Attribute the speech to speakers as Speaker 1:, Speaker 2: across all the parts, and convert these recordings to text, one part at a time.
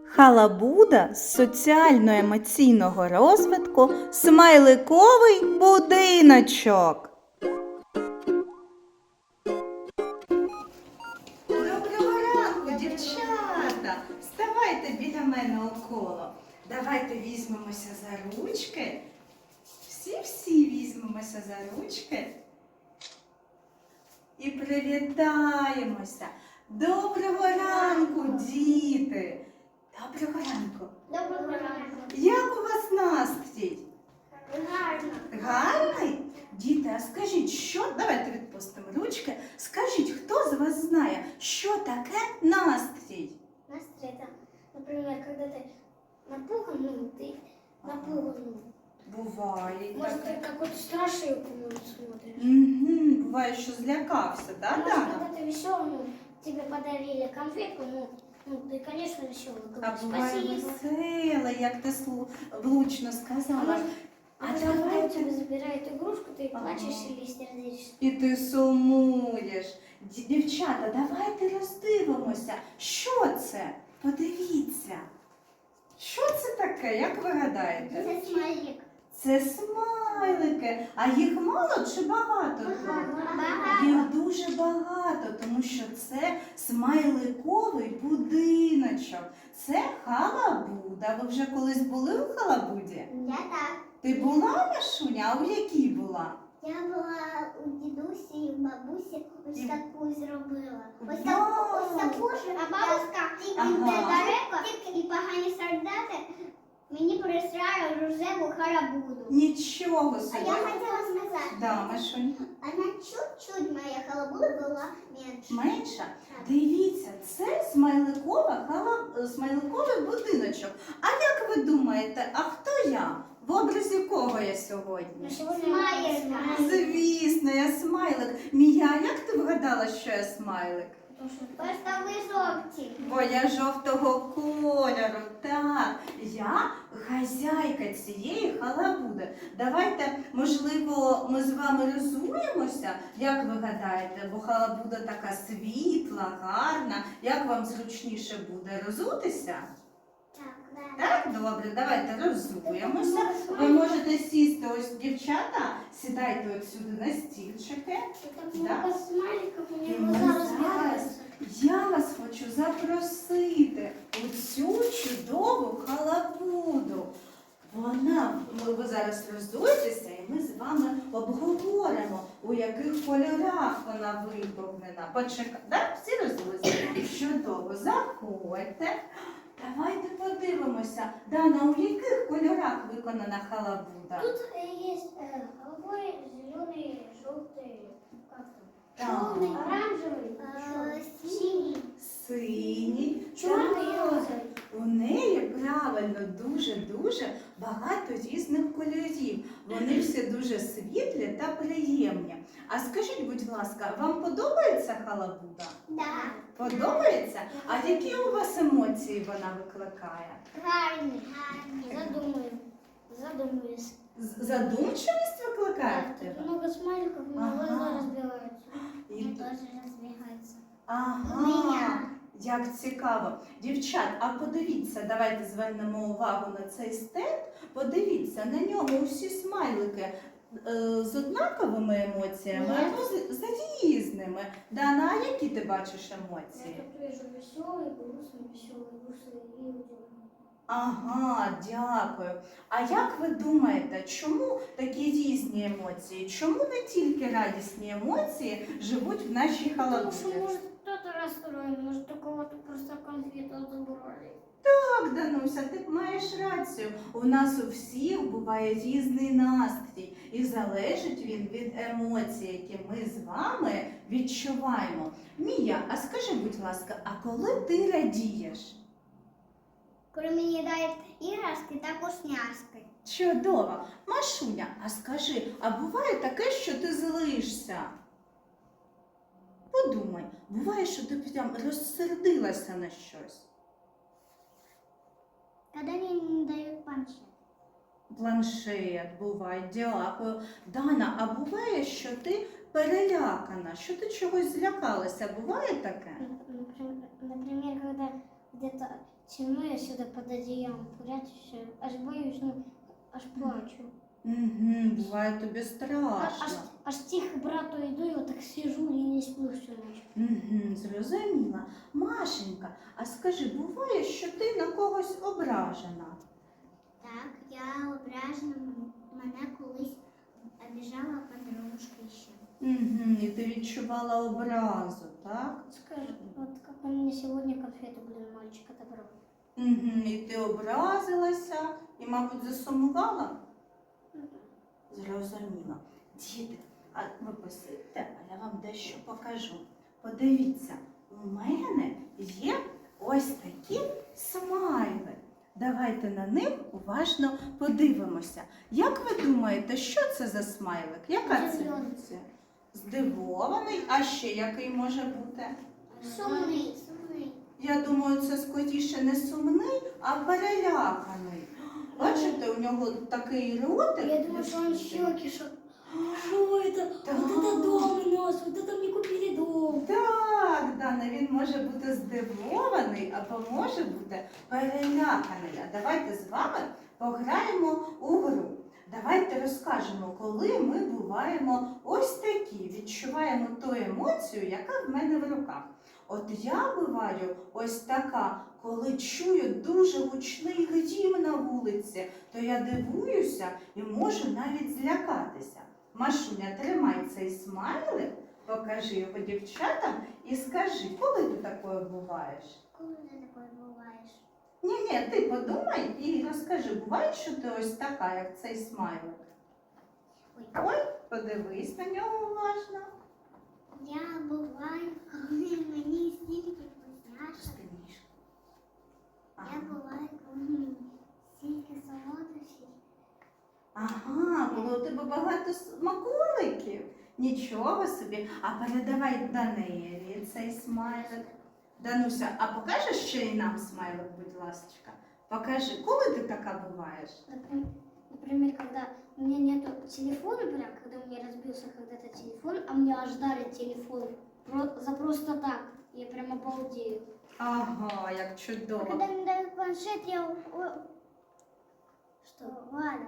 Speaker 1: Халабуда з соціально-емоційного розвитку смайликовий будиночок. Доброго ранку, дівчата! Вставайте біля мене около. Давайте візьмемося за ручки. Всі візьмемося за ручки. І привітаємося. Доброго ранку, діти! Доброго ранку!
Speaker 2: Доброго ранку!
Speaker 1: Як у вас настрій?
Speaker 2: Гарно!
Speaker 1: Гарний? Діти, а скажіть, давайте відпустимо ручки. Скажіть, хто з вас знає, що таке настрій?
Speaker 2: Настрой это, например, когда ты напуган, ты напуган.
Speaker 1: Буває.
Speaker 2: Может, ты какую-то страшилку смотришь.
Speaker 1: Угу, буває, що злякався,
Speaker 2: А
Speaker 1: так?
Speaker 2: может, когда ты веселый, тебе подарили конфетку, ты, конечно, веселый.
Speaker 1: А
Speaker 2: Говоришь,
Speaker 1: буває
Speaker 2: спасибо.
Speaker 1: веселе, як ти влучно сказала.
Speaker 2: А когда у тебя забирают игрушку, ты плачешь или сердишься.
Speaker 1: І ти сумуєш. Дівчата, давайте роздивимося. Що це? Подивіться. Що це таке, як ви гадаєте?
Speaker 2: Это смайлик.
Speaker 1: Це смайлики. А їх мало чи багато?
Speaker 2: Багато.
Speaker 1: Їх дуже багато, тому що це смайликовий будиночок. Це халабуда. Ви вже колись були у халабуді?
Speaker 2: Я так.
Speaker 1: Ти була, Машуня? А у якій була?
Speaker 2: Я була у дідусі і у бабусі, ось таку зробила. Ось
Speaker 1: Вау!
Speaker 2: таку ж, а бабуся тільки недалеко, і погані солдати мені присрали рожеву халабуду.
Speaker 1: Нічого
Speaker 2: А
Speaker 1: собі.
Speaker 2: я хотіла сказати,
Speaker 1: Да, Машунь.
Speaker 2: вона чуть-чуть моя халабуда була менше.
Speaker 1: Менша? Дивіться, це смайликовий будиночок. А як ви думаєте, а хто я? В образі кого я сьогодні?
Speaker 2: Смайлик.
Speaker 1: Звісно, я смайлик. Мія, як ти вгадала, що я смайлик?
Speaker 2: Просто ви жовті.
Speaker 1: Бо я жовтого кольору. Так, я хазяйка цієї халабуди. Давайте, можливо, ми з вами розуємося, як ви гадаєте, бо халабуда така світла, гарна. Як вам зручніше буде розутися? Так, добре, давайте розуємося. Ви можете сісти, ось дівчата, сідайте от сюди на стільчики.
Speaker 2: Так
Speaker 1: Да.
Speaker 2: много смайликів, у
Speaker 1: І
Speaker 2: мене
Speaker 1: ми
Speaker 2: глаза
Speaker 1: зараз,
Speaker 2: розбігаються.
Speaker 1: я вас хочу запросити у цю чудову халабуду. Ви зараз розуєтеся, і ми з вами обговоримо, у яких кольорах вона виповнена. Почекайте, так? Всі розуються? Чудово, заходьте. Давайте подивимося. Дана, у яких кольорах виконана халабуда?
Speaker 2: Тут есть голубой, зеленый, желтый, как
Speaker 1: Так.
Speaker 2: там? Черный, оранжевый, синий,
Speaker 1: Синій.
Speaker 2: черный и
Speaker 1: Так.
Speaker 2: розовый.
Speaker 1: У неї правильно дуже багато різних кольорів. Вони всі дуже світлі та приємні. А скажіть, будь ласка, вам подобається халабуда?
Speaker 2: Да.
Speaker 1: Подобається? А які у вас емоції вона викликає?
Speaker 2: Гарный. Задумаюсь.
Speaker 1: Задумчивість викликає в
Speaker 2: Тут
Speaker 1: тебе?
Speaker 2: много смайликов, у меня
Speaker 1: Ага.
Speaker 2: глаза разбиваются.
Speaker 1: І
Speaker 2: У меня
Speaker 1: тут-
Speaker 2: тоже разбегаются.
Speaker 1: Ага,
Speaker 2: Мене.
Speaker 1: як цікаво. Дівчат, а подивіться, давайте звернемо увагу на цей стенд. Подивіться, на ньому усі смайлики з однаковими емоціями,
Speaker 2: Ні.
Speaker 1: або з різними. Дана, а які ти бачиш
Speaker 2: Я
Speaker 1: емоції?
Speaker 2: тут вижу веселый, грустный и удивленный.
Speaker 1: Ага, дякую. А як ви думаєте, чому такі різні емоції? Чому не тільки радісні емоції живуть в нашій
Speaker 2: Потому что,
Speaker 1: халабуді?
Speaker 2: может, кто-то расстроен, может, у кого-то просто конфету забрали.
Speaker 1: Так, Дануся, ти маєш рацію. У нас у всіх буває різний настрій. І залежить він від емоцій, які ми з вами відчуваємо. Мія, а скажи, будь ласка, а коли ти радієш?
Speaker 2: Коли мені дають іграшки та вкусняшки.
Speaker 1: Чудово. Машуня, а скажи, а буває таке, що ти злишся? Подумай, буває, що ти прям розсердилася на щось?
Speaker 2: Коли мені не дають планшет.
Speaker 1: Планшет буває, дякую. Дана, а буває, що ти перелякана, що ти чогось злякалася? Буває таке?
Speaker 2: Например, когда где-то
Speaker 3: темно, я сюда под одеялом прячусь, аж боюсь, ну, аж плачу.
Speaker 1: Угу, буває тобі страшно.
Speaker 3: Аж тихо брату иду, и вот так сижу и не сплю всю ночь.
Speaker 1: Угу, зрозуміла. Машенька, а скажи, буває, що ти на когось ображена?
Speaker 2: Так, я ображена, мене колись обіжала подружка ще.
Speaker 1: Угу, і ти відчувала образу, так?
Speaker 3: Скажи, вот как он мне сегодня конфету, блин, мальчик отобрал.
Speaker 1: Угу, і ти образилася і, мабуть, засумувала? Зрозуміло. Діти, а ви посидьте, а я вам дещо покажу. Подивіться, у мене є ось такі смайли. Давайте на них уважно подивимося. Як ви думаєте, що це за смайлик? Яка це
Speaker 3: Здивований.
Speaker 1: емоція? Здивований, а ще який може бути?
Speaker 2: Сумний, сумний.
Speaker 1: Я думаю, це скоріше не сумний, а переляканий. Бачите, у нього такий ротик.
Speaker 3: Я думаю, что он щеки, что это?
Speaker 1: Да.
Speaker 3: Вот это дом у нас, вот это мне купили дом.
Speaker 1: Так, Дана, він може бути здивований або може бути переляканий. А давайте з вами пограємо у гру. Давайте розкажемо, коли ми буваємо ось такі, відчуваємо ту емоцію, яка в мене в руках. От я буваю ось така, коли чую дуже гучний грім на вулиці, то я дивуюся і можу навіть злякатися. Машуня, тримай цей смайлик, покажи його дівчатам і скажи, коли ти такою буваєш?
Speaker 2: Коли ти такою буваєш?
Speaker 1: Ні, ти подумай і розкажи, буває, що ти ось така, як цей смайлик? Ой, подивись на нього уважно.
Speaker 2: Я буваю, коли мені стільки вкусняшок. Я буваю, коли мені стільки солодощів.
Speaker 1: Ага, було у тебе багато смаколиків. Нічого собі. А передавай Данилі цей смайлик. Дануся, а покажеш ще й нам смайлик, будь ласка? Покажи, коли ти така буваєш?
Speaker 3: Например, когда у меня нету телефона, прям, когда у меня разбился когда-то телефон, а мне аж дарят телефон за просто так. Я прям обалдею.
Speaker 1: Ага, як
Speaker 2: А
Speaker 1: чудово.
Speaker 2: когда мне дают планшет, я...
Speaker 3: Что?
Speaker 2: Ладно.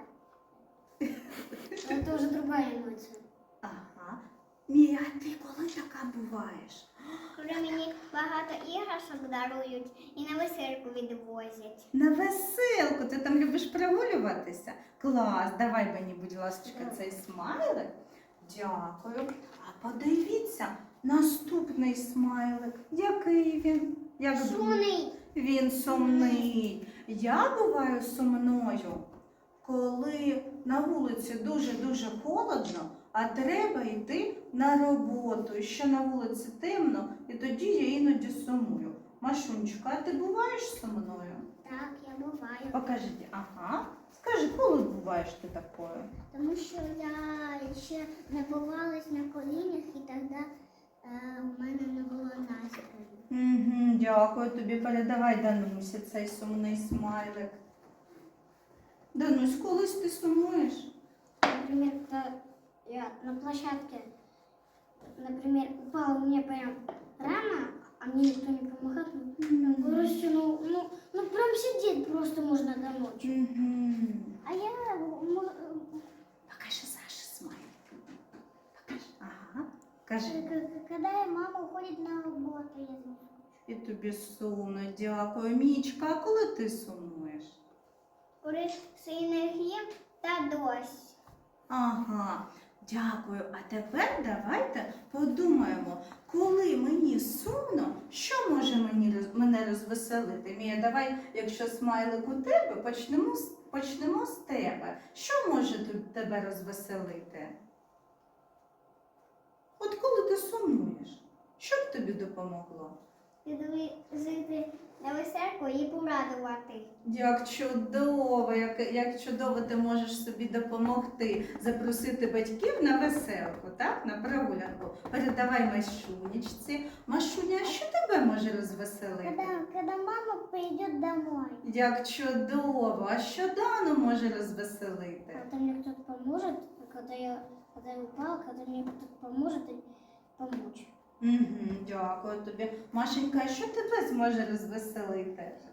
Speaker 3: Это уже другая эмоция.
Speaker 1: Ага. Мія, а ти коли така буваєш?
Speaker 2: Коли мені багато іграшок дарують і на веселку відвозять.
Speaker 1: На веселку, ти там любиш прогулюватися? Клас, давай мені, будь ласка, цей смайлик. Дякую. А подивіться, наступний смайлик. Який він? Як думаєш?
Speaker 2: Шумний.
Speaker 1: Він сумний. Я буваю сумною, коли на вулиці дуже-дуже холодно, а треба йти на роботу. І ще на вулиці темно, і тоді я іноді сумую. Машунечка, а ти буваєш сумною?
Speaker 2: Так, я буваю.
Speaker 1: Покажіть, ага. Скажи, коли буваєш ти такою?
Speaker 2: Тому що я ще не бувалась на колінах і тоді в мене не було настрою.
Speaker 1: Угу, дякую тобі. Передавай Данусі цей сумний смайлик. Данусь, колись ти сумуєш?
Speaker 3: Например, когда я на площадке, например, упала у меня прям рана, а мне никто не помогает. Короче, ну прям сидеть просто можно до ночи.
Speaker 1: Угу.
Speaker 2: А я
Speaker 1: Покажи Саше смайлик. Покажи. Ага. Кажи.
Speaker 2: коли мама уходить на роботу, я знаю.
Speaker 1: І тобі сумно, дякую. Мічка, а коли ти сумуєш?
Speaker 2: Коли сильний грім та дощ.
Speaker 1: Ага, дякую. А тепер давайте подумаємо, коли мені сумно, що може мене розвеселити? Мія, давай, якщо смайлик у тебе, почнемо з тебе. Що може тебе розвеселити? От коли ти сумуєш, що б тобі допомогло?
Speaker 2: Жити на веселку і порадувати.
Speaker 1: Як чудово, як чудово ти можеш собі допомогти, запросити батьків на веселку, так, на прогулянку. Передавай Машунечці. Машуня, а що тебе може розвеселити?
Speaker 2: Когда мама прийде домой.
Speaker 1: Як чудово, а що Дану може розвеселити?
Speaker 3: Когда мне кто-то поможет, когда я упала, когда мне кто-то поможет помочь.
Speaker 1: Угу, дякую тобі. Машенька, а що тебе зможе розвеселити?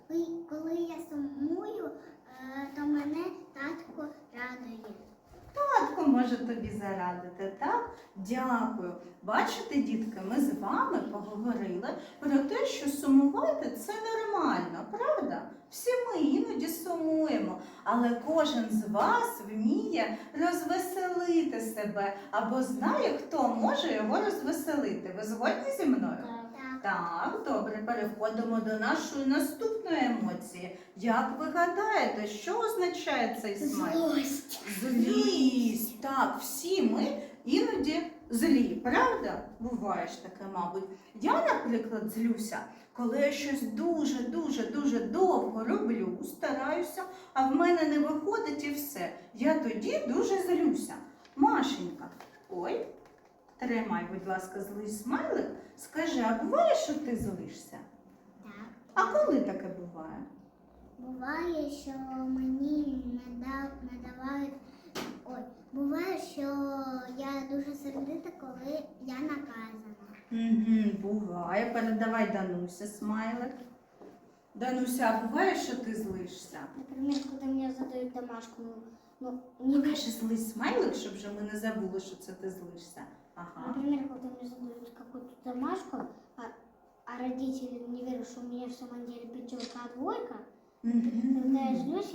Speaker 2: Коли я сумую, то мене татко радує.
Speaker 1: Татко може тобі зарадити, так? Дякую. Бачите, дітки, ми з вами поговорили про те, що сумувати це нормально, правда? Всі ми іноді сумуємо, але кожен з вас вміє розвеселити себе або знає, хто може його розвеселити. Ви згодні зі мною? Так, добре, переходимо до нашої наступної емоції. Як ви гадаєте, що означає цей смайлик?
Speaker 2: Злость.
Speaker 1: Злість. Так, всі ми іноді злі, правда? Буває ж таке, мабуть. Я, наприклад, злюся, коли я щось дуже довго роблю, стараюся, а в мене не виходить і все. Я тоді дуже злюся. Машенька, ой, тримай, будь ласка, злий смайлик. Скажи, а буває, що ти злишся?
Speaker 2: Так.
Speaker 1: А коли таке буває?
Speaker 2: Буває, що мені не давають. Ой, буває, що я дуже сердита, коли я наказана.
Speaker 1: Буває. Передавай Данусі смайлик. Дануся, а буває, що ти злишся?
Speaker 3: Например, когда мне задают домашку, не
Speaker 1: Покажи злий смайлик, щоб вже ми не забули, що це ти злишся. Ага.
Speaker 3: Например, когда мне задают какую-то домашку, а родители не верят, что у меня в самом деле пятерка, а двойка, когда я злюсь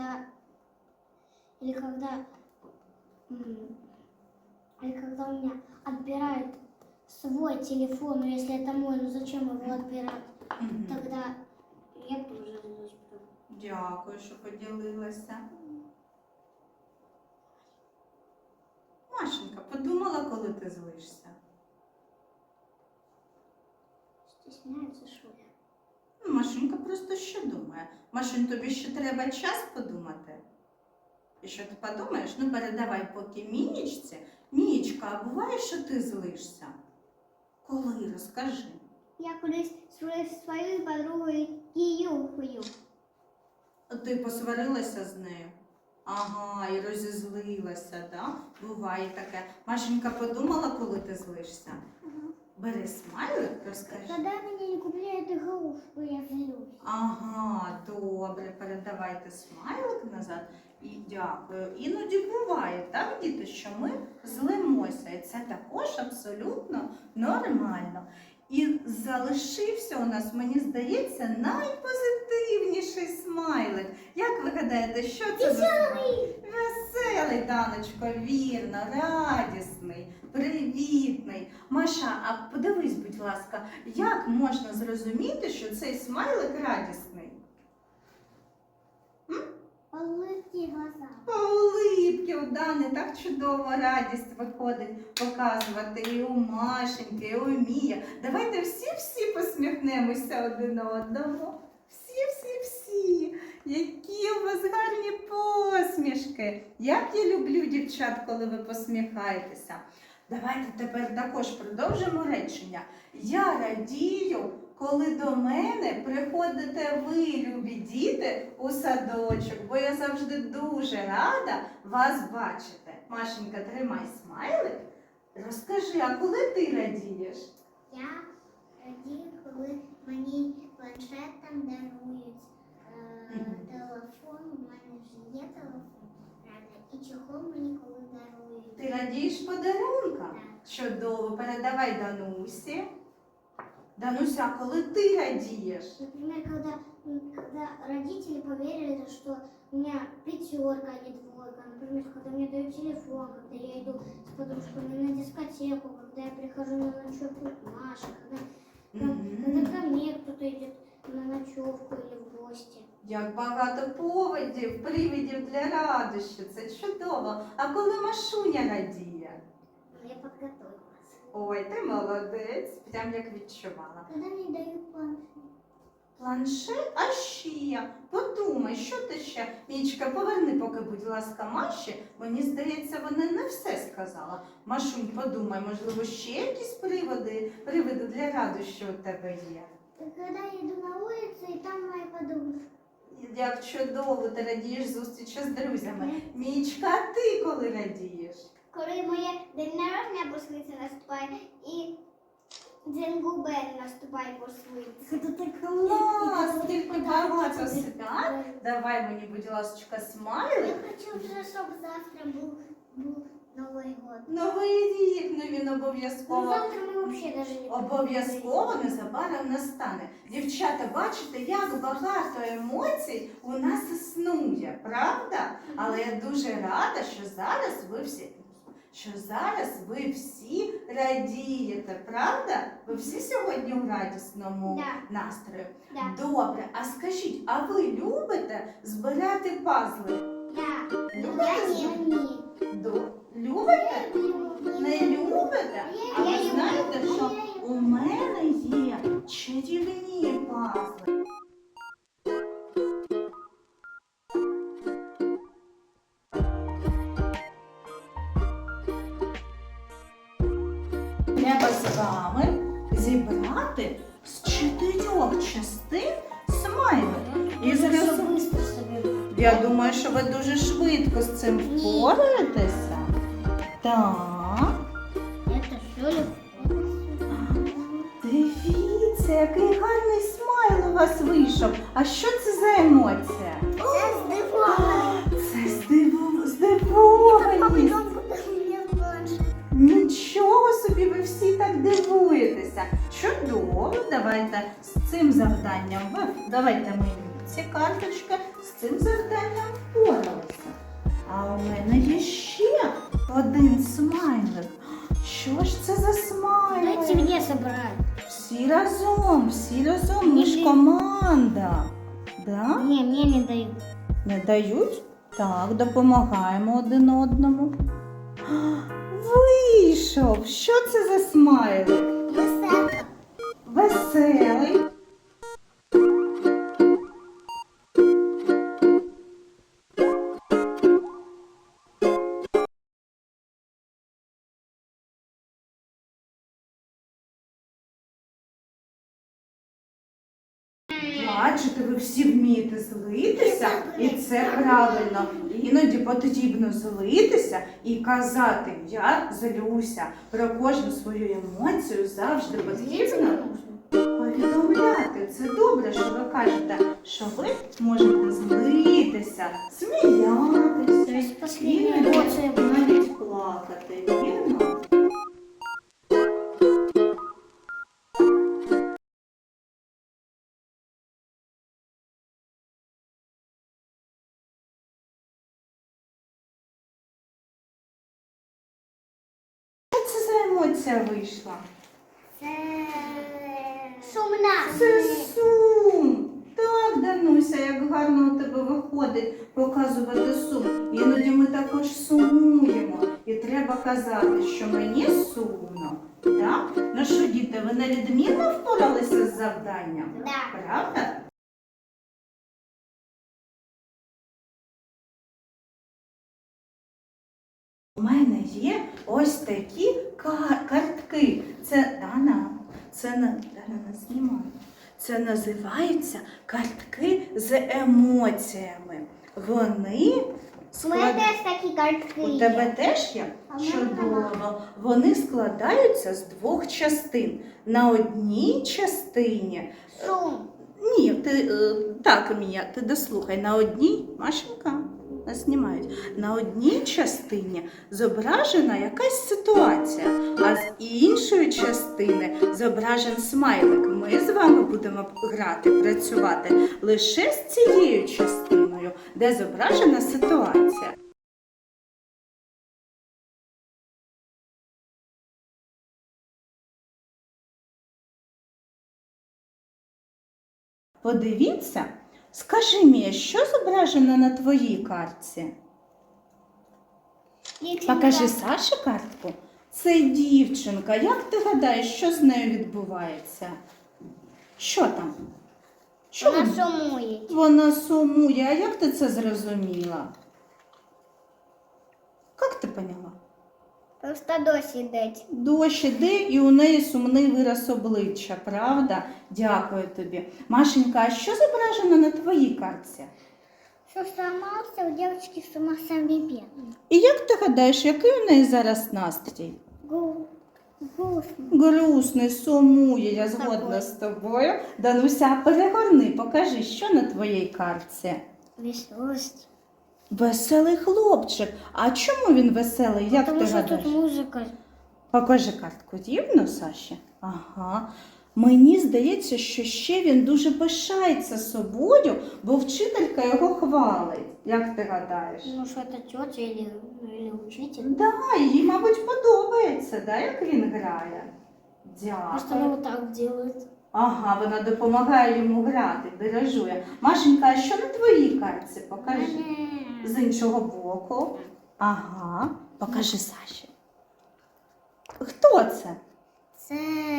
Speaker 3: или когда у меня отбирают свой телефон, ну если это мой, ну зачем его отбирать, тогда я тоже злюсь.
Speaker 1: Дякую, що поділилася. Машенька, подумала, коли ти злишся?
Speaker 3: Стесняется, что ли?
Speaker 1: Ну, Машенька просто що думає? Машень, тобі ще треба час подумати? І що ти подумаєш? Ну, передавай поки Мінічці. Мінічка, а буває, що ти злишся? Коли? Розкажи.
Speaker 2: Я колись з своєю подругою Кіюхою.
Speaker 1: Ти посварилася з нею? Ага, і розізлилася, да? Буває таке. Машенька подумала, коли ти злишся? Бери смайлик, розкажи.
Speaker 2: Когда мне не купляют игрушку, я злюсь.
Speaker 1: Ага, добре, передавайте смайлик назад. І дякую. Іноді буває, так, діти, що ми злимося. І це також абсолютно нормально. І залишився у нас, мені здається, найпозитивніший смайлик. Як ви гадаєте, що це за смайлик? Веселий, Даночко, вірно, радісний, привітний. Маша, а подивись, будь ласка, як можна зрозуміти, що цей смайлик радісний?
Speaker 2: Улыбки глаза.
Speaker 1: По улипки у Дани так чудово радість виходить показувати і у Машеньки, і у Мія. Давайте всі посміхнемося один одному. Всі. Які у вас гарні посмішки. Як я люблю дівчат, коли ви посміхаєтеся. Давайте тепер також продовжимо речення. Я радію, коли до мене приходите ви, любі діти, у садочок, бо я завжди дуже рада вас бачити. Машенька, тримай смайлик. Розкажи, а коли ти радієш?
Speaker 2: Я радію, коли мені планшетом дарують телефон. У мене вже є телефон, правда, і чохол мені коли дарують.
Speaker 1: Ти радієш подарункам?
Speaker 2: Так.
Speaker 1: Чудово, передавай Данусі. Дануся, а коли ти радієш?
Speaker 3: Например, когда родители поверили, что у меня пятерка, а не двойка. Например, когда мне дают телефон, когда я иду с подружками на дискотеку, когда я прихожу на ночевку к Маше, когда ко мне кто-то идет на ночевку или в гости.
Speaker 1: Як багато привидів для радощі, це чудово. А коли Машуня радіє?
Speaker 2: Я подготовилась.
Speaker 1: Ой, ти молодець, прям як відчувала.
Speaker 2: Когда мне дают планшет?
Speaker 1: Планшет? А ще? Подумай, що ти ще? Мічка, поверни поки, будь ласка, Маші. Мені здається, вона не все сказала. Машунь, подумай, можливо, ще якісь привиди для радощі у тебе є?
Speaker 2: Когда я иду на улицу, и там моя подружка.
Speaker 1: Як чудово, ти радієш зустрічі з друзями. Мічка, а ти коли радієш?
Speaker 2: Коли моє день народження близько наступає, і Дзенгубен наступай по свинці.
Speaker 1: Це ти клас, тільки багато свят. Давай мені, будь ласка, смайлик.
Speaker 2: хочу вже, щоб завтра був Новий год.
Speaker 1: Новий рік, ну він обов'язково.
Speaker 3: Завтра мы вообще даже не
Speaker 1: Обов'язково незабаром настане. Дівчата, бачите, як багато емоцій у нас існує, правда? Але я дуже рада, що зараз ви всі радієте, правда? Ви всі сьогодні в радісному настрої?
Speaker 2: Да.
Speaker 1: Добре, а скажіть, а ви любите збирати пазли?
Speaker 2: Да.
Speaker 1: Любите?
Speaker 2: Я ні.
Speaker 1: Любите? Не любите? А ви знаєте, що у мене є чарівні пазли. Треба з вами зібрати з 4 частин смайлик. І зараз
Speaker 3: быстро соберу.
Speaker 1: я думаю, що ви дуже швидко з цим впораєтеся. Так.
Speaker 3: Это все легко.
Speaker 1: Дивіться, який гарний смайл у вас вийшов. А що це за емоція?
Speaker 2: Це здивовано.
Speaker 1: Це здивованість. Нічого собі, ви всі так дивуєтеся. Чудово, давайте з цим завданням. Давайте мені ці карточки, з цим завданням впоралися. А у мене є ще один смайлик. Що ж це за смайлик?
Speaker 3: Дайте мне собрать.
Speaker 1: Всі разом, ми ж команда. Да?
Speaker 3: Не, мне не дают.
Speaker 1: Не дають? Так, допомагаємо один одному. Вийшов! Що це за смайлик?
Speaker 2: Веселка.
Speaker 1: Веселий. Бачите, ви всі вмієте злитися, і це правильно. Іноді потрібно злитися і казати «я злюся». Про кожну свою емоцію завжди потрібно повідомляти. Це добре, що ви кажете, що ви можете злитися, сміятися,
Speaker 3: Последняя
Speaker 1: іноді
Speaker 3: эмоция была.
Speaker 1: навіть плакати, вірно? Що це за емоція вийшла?
Speaker 2: Це сумна.
Speaker 1: Це сум. Так, Дануся, як гарно у тебе виходить показувати сум. Іноді ми також сумуємо. І треба казати, що мені сумно. Так? Ну що, діти, ви невідмінно впоралися з завданням?
Speaker 2: Да.
Speaker 1: Правда? У мене є ось такі картки. Це Дана не знімає. Це називаються картки з емоціями. Вони
Speaker 2: У мене теж такі картки.
Speaker 1: У тебе теж є?
Speaker 2: А в мене
Speaker 1: Чудово. Вони складаються з 2 частин. На одній частині.
Speaker 2: Сум.
Speaker 1: Ні, так, Мія, ти дослухай. На одній, Машенька, нас знімають. На одній частині зображена якась ситуація, а з іншої частини зображен смайлик. Ми з вами будемо грати, працювати лише з цією частиною, де зображена ситуація. Подивіться, скажи мені, що зображено на твоїй картці?
Speaker 2: Дівчинка.
Speaker 1: Покажи Саші картку. Це дівчинка. Як ти гадаєш, що з нею відбувається? Що там? Що
Speaker 2: Вона
Speaker 1: вона-
Speaker 2: сумує.
Speaker 1: Вона сумує. А як ти це зрозуміла? Як ти поняла?
Speaker 2: Просто дощ іде.
Speaker 1: Дощ іде і у неї сумний вираз обличчя, правда? Дякую тобі. Машенька, а що зображено на твоїй картці?
Speaker 2: Що сломався у дівчинки сама собі бідна.
Speaker 1: І як ти гадаєш, який у неї зараз настрій? Грустний, сумує, я згодна з тобою. Дануся, перегорни, покажи, що на твоїй картці.
Speaker 3: Веселость.
Speaker 1: Веселий хлопчик. А чому він веселий? Як
Speaker 3: Потому
Speaker 1: ти
Speaker 3: что
Speaker 1: гадаєш?
Speaker 3: тут музыка.
Speaker 1: Покажи картку. Дівно, Саші? Ага. Мені здається, що ще він дуже пишається собою, бо вчителька його хвалить. Як ти гадаєш?
Speaker 3: Ну, что это тетя или учитель.
Speaker 1: Да, їй, мабуть, подобається, да, як він грає.
Speaker 3: Просто она
Speaker 1: Дякую.
Speaker 3: вот так делает.
Speaker 1: Ага, вона допомагає йому грати, дирижує. Машенька, а що на твоїй картці? Покажи. З іншого боку. Ага, покажи Саші. Хто це?
Speaker 3: Це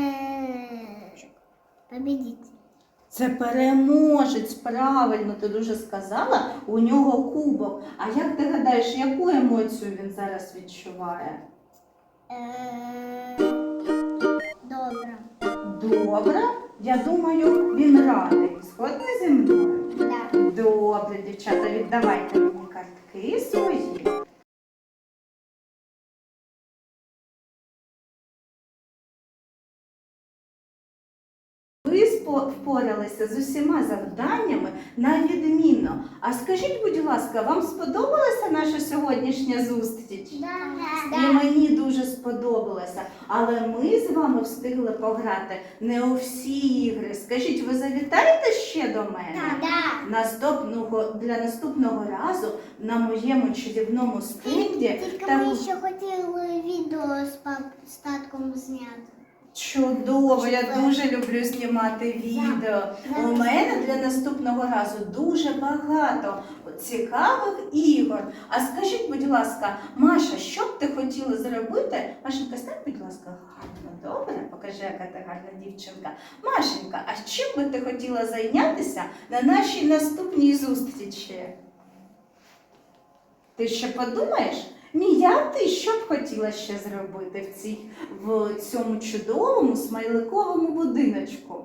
Speaker 3: победитель.
Speaker 1: Це переможець, правильно, ти дуже сказала, у нього кубок. А як ти гадаєш, яку емоцію він зараз відчуває?
Speaker 3: Добре.
Speaker 1: Добре, я думаю, він радий. Згодна зі мною?
Speaker 2: Да.
Speaker 1: Добре, дівчата, віддавайте мені картки свої. Ви впоралися з усіма завданнями на відмінно. А скажіть, будь ласка, вам сподобалася наша сьогоднішня зустріч? І мені дуже сподобалося. Але ми з вами встигли пограти не у всі ігри. Скажіть, ви завітаєте ще до мене? Для наступного разу на моєму чарівному стенді
Speaker 2: Тільки ми ще хотіли відео з татком зняти.
Speaker 1: чудово, я дуже люблю знімати відео. У мене для наступного разу дуже багато цікавих ігор. А скажіть, будь ласка, Маша, що б ти хотіла зробити? Машенька, стань, будь ласка, гарно, добре? Покажи, яка ти гарна дівчинка. Машенька, а чим би ти хотіла зайнятися на нашій наступній зустрічі? Ти ще подумаєш? Мія, ти що б хотіла ще зробити в цьому чудовому смайликовому будиночку?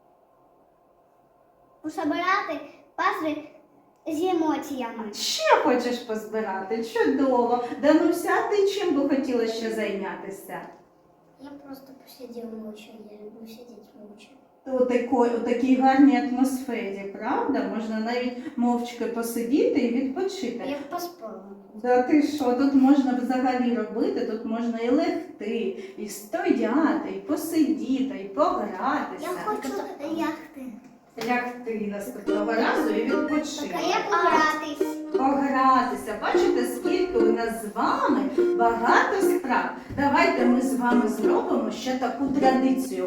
Speaker 2: Усобирати пазли з емоціями.
Speaker 1: Ще хочеш позбирати? Чудово. Дануся, ти чим би хотіла ще зайнятися?
Speaker 3: Я просто посидел молча. Я люблю сидеть молча.
Speaker 1: У такій гарній атмосфері, правда? Можна навіть мовчки посидіти і відпочити.
Speaker 3: Я поспала.
Speaker 1: Да ти що, тут можна взагалі робити, тут можна і легти, і стояти, і посидіти, і погратися.
Speaker 2: Я хочу яхти.
Speaker 1: Лягти наступного разу і відпочити.
Speaker 2: А я погратись.
Speaker 1: Погратися. Бачите, скільки у нас з вами багато справ. Давайте ми з вами зробимо ще таку традицію.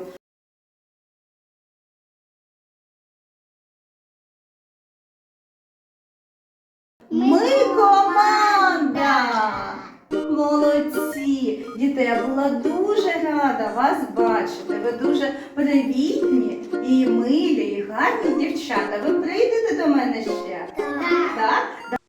Speaker 1: Ми команда! Молодці! Діти, я була дуже рада вас бачити. Ви дуже привітні і милі, і гарні дівчата. Ви прийдете до мене ще?
Speaker 2: Так.
Speaker 1: Так?